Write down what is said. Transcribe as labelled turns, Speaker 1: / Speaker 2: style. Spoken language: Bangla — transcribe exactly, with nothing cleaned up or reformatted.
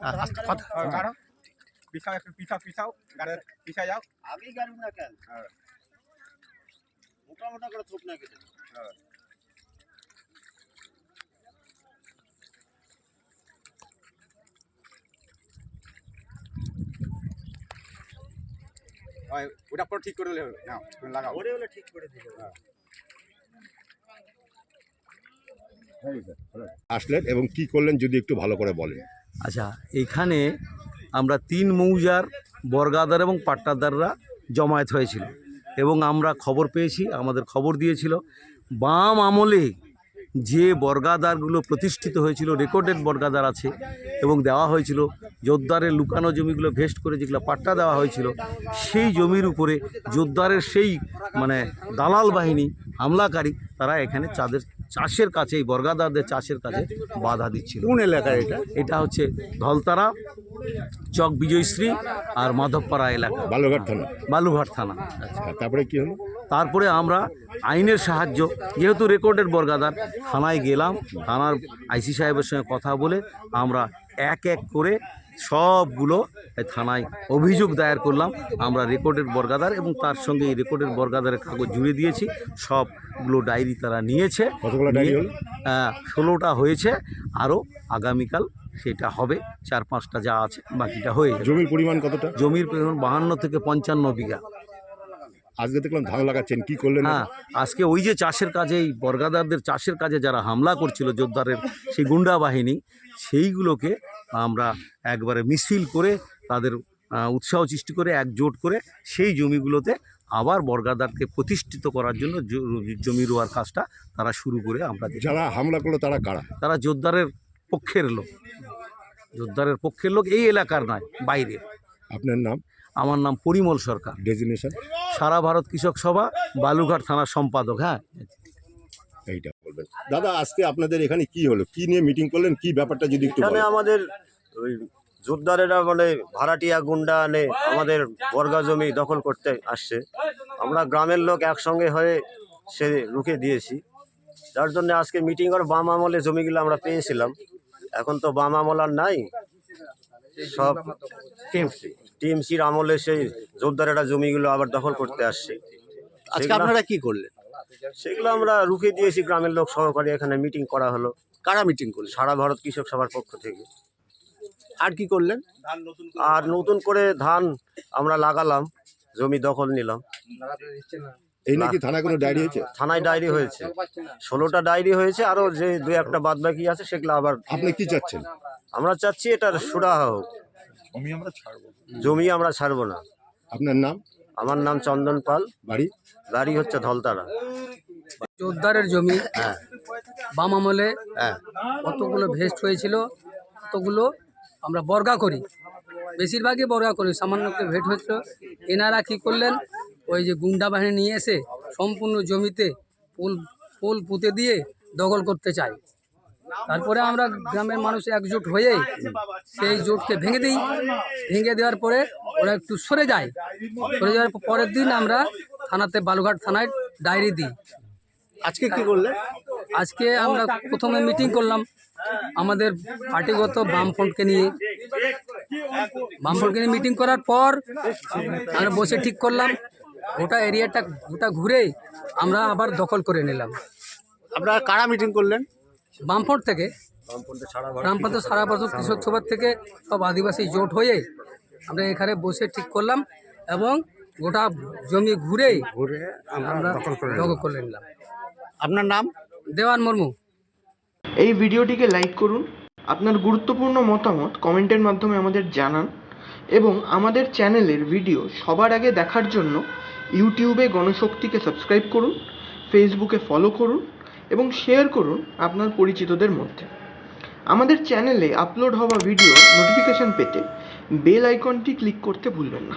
Speaker 1: পিছাও একটু পিছাও পিছাও গাড়ি পিছায় যাও আগেই গাড়ি না কেন মোটা মোটা করে থোপ না কেটে হ্যাঁ ওটা পর ঠিক করে দিলে হবে নাও তুমি লাগাও ওরে ওলে ঠিক করে দিও হ্যাঁ
Speaker 2: আসলেন এবং কি করলেন যদি একটু ভালো করে বলেন।
Speaker 3: আচ্ছা, এইখানে আমরা তিন মৌজার বর্গাদার এবং পাট্টাদাররা জমায়েত হয়েছিল এবং আমরা খবর পেয়েছি, আমাদের খবর দিয়েছিল বাম আমলে যে বর্গাদারগুলো প্রতিষ্ঠিত হয়েছিল, রেকর্ডেড বর্গাদার আছে এবং দেওয়া হয়েছিল জোরদারের লুকানো জমিগুলো ভেস্ট করে যেগুলো পাট্টা দেওয়া হয়েছিল, সেই জমির উপরে জোরদারের সেই মানে দালাল বাহিনী হামলাকারী তারা এখানে চাঁদের চাষের কাছে, এই বর্গাদারদের চাষের কাছে বাধা দিচ্ছিল।
Speaker 2: কোন এলাকায় এটা?
Speaker 3: এটা হচ্ছে ধলতারা, চক বিজয়শ্রী আর মাধবপাড়া এলাকা,
Speaker 2: বালুঘাট থানা।
Speaker 3: বালুঘাট থানা।
Speaker 2: আচ্ছা, তারপরে কি হলো?
Speaker 3: তারপরে আমরা আইনের সাহায্য, যেহেতু রেকর্ডেড বর্গাদার, থানায় গেলাম। থানার আইসি সাহেবের সঙ্গে কথা বলে আমরা এক এক করে সবগুলো থানায় অভিযোগ দায়ের করলাম। আমরা রেকর্ডেড বর্গাদার এবং তার সঙ্গে এই রেকর্ডেড বর্গাদারের কাগজ জুড়ে দিয়েছি। সবগুলো ডায়েরি তারা নিয়েছে।
Speaker 2: কতগুলো ডায়েরি হলো?
Speaker 3: ষোলোটা হয়েছে, আরও আগামীকাল সেটা হবে। চার পাঁচটা যা আছে বাকিটা হয়ে যাবে।
Speaker 2: জমির পরিমাণ কতটা?
Speaker 3: জমির পরিমাণ বাহান্ন থেকে পঞ্চান্ন বিঘা।
Speaker 2: আজকে দেখলাম ধান লাগাচ্ছেন, কি করলেন?
Speaker 3: হ্যাঁ, আজকে ওই যে চাষের কাজে, এই বর্গাদারদের চাষের কাজে যারা হামলা করছিল জোরদারের সেই গুন্ডা বাহিনী, সেইগুলোকে আমরা একবারে মিছিল করে তাদের উৎসাহ সৃষ্টি করে একজোট করে সেই জমিগুলোতে আবার বর্গাদারকে প্রতিষ্ঠিত করার জন্য জমি রোয়ার কাজটা তারা শুরু করে আমরা।
Speaker 2: যারা হামলা করলো তারা কারা?
Speaker 3: তারা জোরদারের পক্ষের লোক, জোরদারের পক্ষের লোক, এই এলাকার নয়, বাইরে।
Speaker 2: আপনার নাম?
Speaker 3: আমার নাম পরিমল সরকার,
Speaker 2: ডেজিগনেশন
Speaker 3: সারা ভারত কৃষক সভা, বালুঘাট থানার সম্পাদক। হ্যাঁ,
Speaker 2: এইটা বলবেন। দাদা, আজকে আপনাদের এখানে কি হলো, কি নিয়ে মিটিং করলেন, কি ব্যাপারটা যদি একটু
Speaker 4: বলেন। আমাদের ওই জোরদারেরা মানে ভাড়াটিয়া গুন্ডা আনে আমাদের বর্গা জমি দখল করতে আসছে। আমরা গ্রামের লোক একসঙ্গে হয়ে সে রুখে দিয়েছি, যার জন্য আজকে মিটিং করে বাম আমলে জমিগুলো আমরা পেয়েছিলাম। এখন তো বাম আমল আর নাই, সব টিএমসি টিএমসির আমলে সেই জোরদারেরা জমিগুলো আবার দখল করতে আসছে।
Speaker 5: আজকে আপনারা কি করলেন?
Speaker 4: সেগুলো আমরা রুখে দিয়েছি, গ্রামের লোক সহকারে এখানে মিটিং করা হলো।
Speaker 5: কারা মিটিং করলেন?
Speaker 4: সারা ভারত কৃষক সভার পক্ষ থেকে।
Speaker 5: আর কি করলেন?
Speaker 4: আর নতুন করে ধান আমরা লাগালাম, জমি দখল নিলাম।
Speaker 2: এই নাকি থানায় কোনো ডায়েরি হয়েছে?
Speaker 4: থানায় ডায়েরি হয়েছে, ষোলোটা ডায়েরি হয়েছে, আরও যে দু একটা বাদ বাকি আছে সেগুলো আবার।
Speaker 2: আপনি কি চাচ্ছেন?
Speaker 4: আমরা চাচ্ছি এটার সুরাহা হোক, জমি আমরা ছাড়বো জমি আমরা ছাড়বো না।
Speaker 2: আপনার নাম?
Speaker 4: আমার নাম চন্দন পাল,
Speaker 2: বাড়ি?
Speaker 4: বাড়ি হচ্ছে ধলতারা।
Speaker 6: জোরদারের জমি
Speaker 4: হ্যাঁ,
Speaker 6: বাম আমলে
Speaker 4: হ্যাঁ,
Speaker 6: কতগুলো ভেস্ট হয়েছিল, কতগুলো আমরা বর্গা করি, বেশিরভাগই বর্গা করি, সামান্য একটু ভেট হয়েছিল। এনারা কী করলেন, ওই যে গুন্ডা বাহিনী নিয়ে এসে সম্পূর্ণ জমিতে পোল পোল পুঁতে দিয়ে দখল করতে চায়। তারপরে আমরা গ্রামের মানুষ একজোট হয়ে সেই জোটকে ভেঙে দিই। ভেঙে দেওয়ার পরে ওরা একটু সরে যায়। সরে যাওয়ার পরের দিন আমরা থানাতে, বালুঘাট থানায় ডায়েরি দিই।
Speaker 5: আজকে কি করলেন?
Speaker 6: আজকে আমরা প্রথমে মিটিং করলাম আমাদের পার্টিগত বামফ্রন্টকে নিয়ে। বামফ্রন্টকে নিয়ে মিটিং করার পর আমরা বসে ঠিক করলাম গোটা এরিয়াটা গোটা ঘুরে আমরা আবার দখল করে নিলাম।
Speaker 5: আপনারা কারা মিটিং করলেন?
Speaker 6: বামফ্রন্ট থেকে, বামফ্রন্ট সারা ভারত কৃষক সভার থেকে সব আদিবাসী জোট হয়ে আমরা এখানে বসে ঠিক করলাম এবং গোটা জমি ঘুরে
Speaker 5: ঘুরে
Speaker 6: আমরা দখল করে নিলাম।
Speaker 5: আপনার নাম?
Speaker 6: দেওয়ান মুর্মু।
Speaker 7: এই ভিডিওটিকে লাইক করুন, আপনার গুরুত্বপূর্ণ মতামত কমেন্টের মাধ্যমে আমাদের জানান এবং আমাদের চ্যানেলের ভিডিও সবার আগে দেখার জন্য ইউটিউবে গণশক্তিকে সাবস্ক্রাইব করুন, ফেসবুকে ফলো করুন এবং শেয়ার করুন আপনার পরিচিতদের মধ্যে। আমাদের চ্যানেলে আপলোড হওয়া ভিডিও নোটিফিকেশন পেতে বেল আইকনটি ক্লিক করতে ভুলবেন না।